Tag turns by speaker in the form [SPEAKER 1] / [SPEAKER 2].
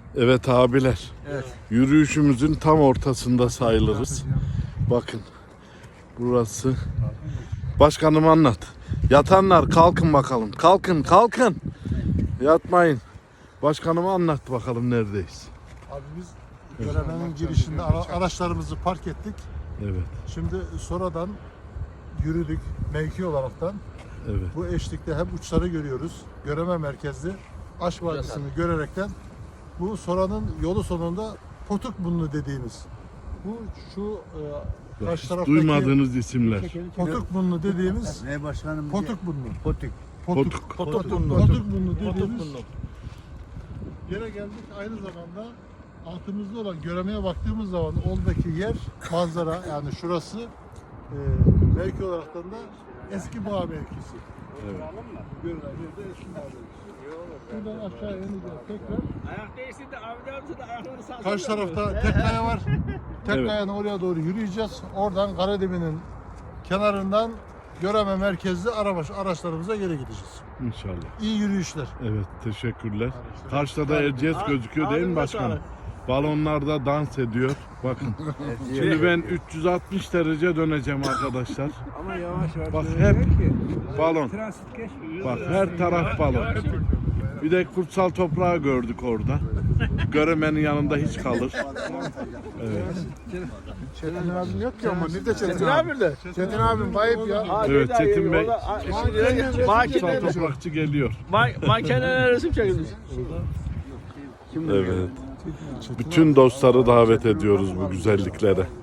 [SPEAKER 1] Evet abiler.
[SPEAKER 2] Evet.
[SPEAKER 1] Yürüyüşümüzün tam ortasında sayılırız. Bakın. Burası. Başkanım anlat. Yatanlar kalkın bakalım. Kalkın kalkın. Yatmayın. Başkanıma anlat bakalım neredeyiz.
[SPEAKER 3] Abi biz Göreme'nin girişinde araçlarımızı park ettik.
[SPEAKER 1] Evet.
[SPEAKER 3] Şimdi sonradan yürüdük mevki olaraktan.
[SPEAKER 1] Evet.
[SPEAKER 3] Bu eşlikte hem uçları görüyoruz. Göreme merkezli Aş Vadisi'ni görerekten bu Sora'nın yolu sonunda Potukburnu dediğimiz bu şu karşı taraftaki
[SPEAKER 1] Duymadığınız isimler.
[SPEAKER 3] Potukburnu dediğimiz
[SPEAKER 2] Ne başkanım?
[SPEAKER 3] Potukburnu.
[SPEAKER 2] Potuk.
[SPEAKER 3] Potukburnu dediğimiz yere geldik. Aynı zamanda altımızda olan Göreme'ye baktığımız zaman oradaki yer manzara yani şurası mevki olaraktan da eski bağ mevkisi.
[SPEAKER 1] Evet.
[SPEAKER 3] Görülen yerde eski bağ mevkisi. Buradan aşağı ineceğiz tekrar.
[SPEAKER 4] Ayak değilsin de Avni amca da ayaklarını sağ
[SPEAKER 3] Karşı tarafta tek kaya var. Tek
[SPEAKER 1] Evet.
[SPEAKER 3] kayanın oraya doğru yürüyeceğiz. Oradan Karademi'nin kenarından Göreme merkezli araçlarımıza geri gideceğiz.
[SPEAKER 1] İnşallah.
[SPEAKER 3] İyi yürüyüşler.
[SPEAKER 1] Evet teşekkürler. Karşıda da Erciyes gözüküyor değil mi başkanım? Balonlar da dans ediyor. Bakın. Şimdi ben 360 derece döneceğim arkadaşlar.
[SPEAKER 2] Ama yavaş yavaş.
[SPEAKER 1] Bak hep balon.
[SPEAKER 2] Transit geçmiyor.
[SPEAKER 1] Bak her taraf balon. Bir de kutsal toprağı gördük orada. Göremenin yanında hiç kalır. Evet.
[SPEAKER 3] Çetin abim yok ki ama ne de Çetin
[SPEAKER 4] Ne yapıyordu?
[SPEAKER 3] Çetin abim kayıp ya.
[SPEAKER 1] Evet Çetin Bey. Kutsal
[SPEAKER 4] Makine,
[SPEAKER 1] toprakçı geliyor.
[SPEAKER 4] makineler resim çekilmiş.
[SPEAKER 1] Evet. Bütün dostları davet ediyoruz bu güzelliklere.